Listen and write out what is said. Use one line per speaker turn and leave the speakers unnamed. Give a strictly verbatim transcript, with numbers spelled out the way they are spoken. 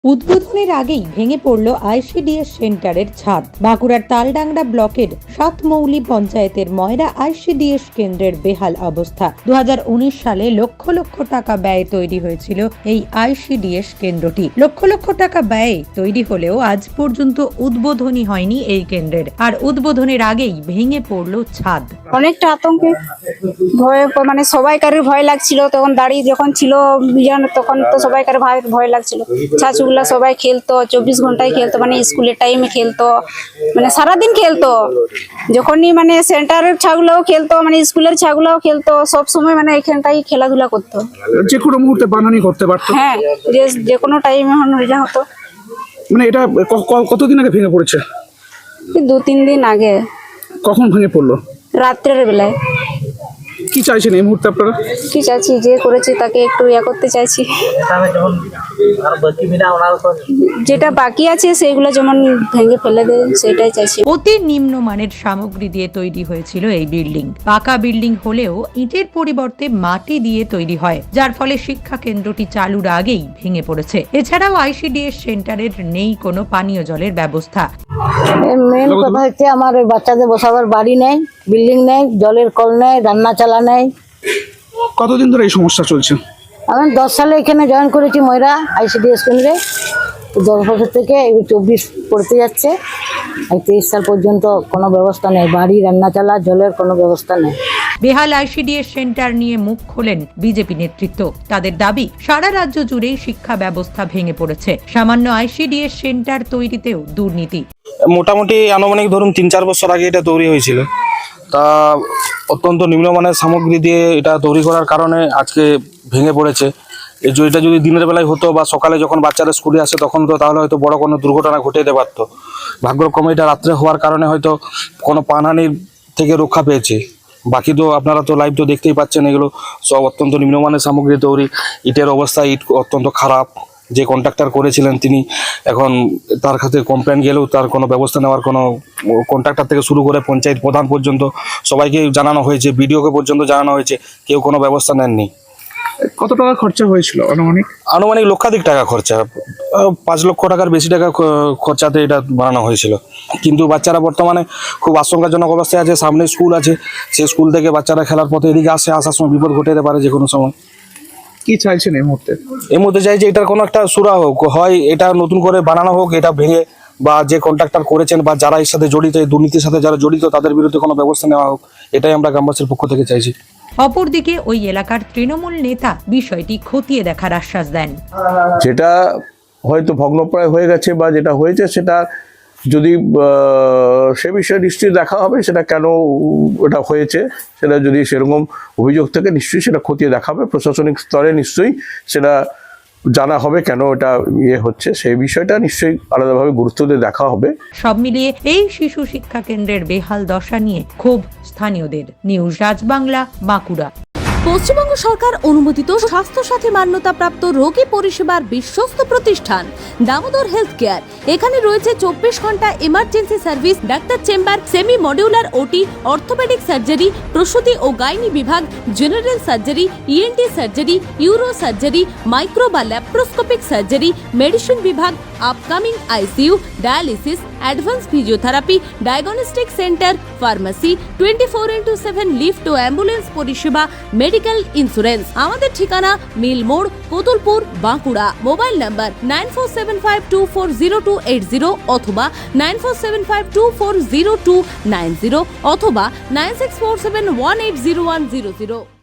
উদ্বোধনের আগেই ভেঙে পড়ল আইসিডিএস সেন্টারের ছাদ। বাঁকুড়ার তালডাংরা ব্লকের সাতমৌলি পঞ্চায়েতের ময়রা আইসিডিএস কেন্দ্রের বেহাল অবস্থা। দু হাজার উনিশ সালে লক্ষ লক্ষ টাকা ব্যয়ে তৈরি হয়েছিল এই আইসিডিএস কেন্দ্রটি। লক্ষ লক্ষ টাকা ব্যয়ে তৈরি হলেও আজ পর্যন্ত উদ্বোধনী হয়নি এই কেন্দ্রের। আর উদ্বোধনের আগেই ভেঙে পড়ল ছাদ।
অনেকটা আতঙ্কে ভয়, মানে সবাইকার ভয় লাগছিল। তখন দাঁড়িয়ে যখন ছিল তখন তো সবাইকার ভয় লাগছিল। ছাচুগুলা সবাই খেলতো, চব্বিশ ঘন্টায় খেলতো, মানে স্কুলের টাইমে খেলতো, মানে সারাদিন খেলতো। যখনই মানে সেন্টারের ছাগুলাও খেলতো, মানে স্কুলের ছাগুলাও খেলতো, সব সময় মানে এখানটাই খেলাধুলা করতো।
যে কোনো মুহূর্তে বানানি করতে পারতো।
হ্যাঁ, যে যে কোনো টাইমে হয়ে হতো।
মানে এটা কতদিন আগে ভেঙে পড়েছে?
দু তিন দিন আগে।
কখন ভেঙে পড়লো?
রাত্রের বেলায়।
কি চাইছেন এই মুহূর্তে আপনারা?
কি চাইছি, যে করেছি তাকে একটু ইয়া করতে চাইছি। যেটা বাকি আছে সেগুলো যেমন ভেঙে ফেলে দেয়, সেটাই চাইছি।
অতি নিম্নমানের সামগ্রী দিয়ে তৈরি হয়েছিল এই বিল্ডিং। পাকা বিল্ডিং হলেও ইটের পরিবর্তে মাটি দিয়ে তৈরি হয়, যার ফলে শিক্ষা কেন্দ্রটি চালুর আগেই ভেঙে পড়েছে। এছাড়াও আইসিডিএস সেন্টারের নেই কোনো পানীয় জলের ব্যবস্থা।
মেন কথা হচ্ছে আমার ওই বাচ্চাদের বসাবার বাড়ি নেই, বিল্ডিং নেই, জলের কল নেই, রান্না চালা নেই।
কতদিন ধরে এই সমস্যা চলছে?
আমি দশ সালে এখানে জয়েন করেছি ময়রা আইসিডিএস কেন্দ্রে। দশ বছর থেকে এই চব্বিশ পড়তে যাচ্ছে। এই তেইশ সাল পর্যন্ত কোনো ব্যবস্থা নেই, বাড়ি, রান্না চালা, জলের কোনো ব্যবস্থা নেই।
বেহাল আইসিডিএস সেন্টার নিয়ে মুখ খোলেন বিজেপি নেতৃত্ব। তাদের দাবি, সারা রাজ্য জুড়েই শিক্ষা ব্যবস্থা ভেঙে পড়েছে। সামান্য আইসিডিএস সেন্টার তৈরিতেও দুর্নীতি।
মোটামুটি আনুমানিক ধরুন তিন চার বছর আগে এটা তৈরি হয়েছিল। তা অত্যন্ত নিম্নমানের সামগ্রী দিয়ে এটা তৈরি করার কারণে আজকে ভেঙে পড়েছে। এই যে এটা যদি দিনের বেলায় হতো বা সকালে যখন বাচ্চারা স্কুলে আসে তখন তো তাহলে হয়তো বড় কোনো দুর্ঘটনা ঘটে যেতে পারতো। ভাগ্যক্রমে এটা রাত্রে হওয়ার কারণে হয়তো কোনো প্রাণহানির থেকে রক্ষা পেয়েছে। বাকি তো আপনারা তো লাইভ তো দেখতেই পাচ্ছেন, এগুলো সব অত্যন্ত নিম্নমানের সামগ্রী তৈরি। ইটের অবস্থা ইট অত্যন্ত খারাপ। যে কন্ট্রাক্টর করেছিলেন তিনি এখন তার কাছে কমপ্লেন গেলেও তার কোনো ব্যবস্থা নেওয়ার কোনো, কন্ট্রাক্টর থেকে শুরু করে পঞ্চায়েত প্রধান পর্যন্ত সবাইকে জানানো হয়েছে, বিডিওকে পর্যন্ত জানানো হয়েছে, কেউ কোনো ব্যবস্থা নেননি।
কত টাকা খরচা হয়েছিল আনুমানিক?
আনুমানিক লক্ষাধিক টাকা খরচা, পাঁচ লক্ষ টাকার বেশি টাকা খরচাতে এটা বানানো হয়েছিল। কিন্তু বাচ্চারা বর্তমানে খুব আশঙ্কাজনক অবস্থায় আছে। সামনে স্কুল আছে, সেই স্কুল থেকে বাচ্চারা খেলার পথে এদিকে আসে, আসার সময় বিপদ ঘটে যেতে পারে যে কোনো সময়।
কি চাইছেন এই মুহূর্তে?
এই মুহূর্তে চাই যে এটার কোনো একটা সুরা হোক, হয় এটা নতুন করে বানানো হোক, এটা ভেঙে, বা যে কন্ট্রাক্টর করেছেন বা যারা এর সাথে জড়িত, এই দুর্নীতির সাথে যারা জড়িত, তাদের বিরুদ্ধে কোনো ব্যবস্থা নেওয়া হোক। এটাই আমরা গ্রামবাসীর পক্ষ থেকে চাইছি।
অপরদিকে ওই এলাকার তৃণমূল নেতা বিষয়টি খতিয়ে দেখার আশ্বাস দেন।
যেটা হয়তো ভগ্নপ্রায় হয়ে গেছে বা যেটা হয়েছে সেটা যদি সে বিষয়ে নিশ্চয়ই দেখা হবে, সেটা কেন ওটা হয়েছে সেটা যদি সেরকম অভিযোগ থেকে নিশ্চয়ই সেটা খতিয়ে দেখা হবে। প্রশাসনিক স্তরে নিশ্চয়ই সেটা জানা হবে কেন এটা ইয়ে হচ্ছে, সেই বিষয়টা নিশ্চয়ই আলাদাভাবে গুরুত্ব দিয়ে দেখা হবে।
সব মিলিয়ে এই শিশু শিক্ষা কেন্দ্রের বেহাল দশা নিয়ে ক্ষোভ স্থানীয়দের। নিউজ রাজবাংলা, বাঁকুড়া।
পশ্চিমবঙ্গ সরকার অনুমোদিত স্বাস্থ্যসাথী মান্যতাপ্রাপ্ত রোগী পরিষেবার বিশ্বস্ত প্রতিষ্ঠান দামোদর হেলথ কেয়ার। এখানে রয়েছে চব্বিশ ঘন্টা emergency service, doctor chamber, semi modular OT, orthopedic surgery, প্রসূতি ও গাইনি বিভাগ, general surgery, ENT surgery, uro surgery, micro বা ল্যাপ্রোস্কোপিক সার্জারি, মেডিসিন বিভাগ, upcoming ICU, dialysis, advance physiotherapy, diagnostic centre, pharmacy, twenty four into seven lift ও ambulance পরিষেবা, medical insurance. আমাদের ঠিকানা মিল মোড়, Kotulpur, Bankura. Mobile number nine four seven five two four zero two eight zero অথবা nine four seven five two four zero two nine zero অথবা nine six four seven one eight zero one zero zero.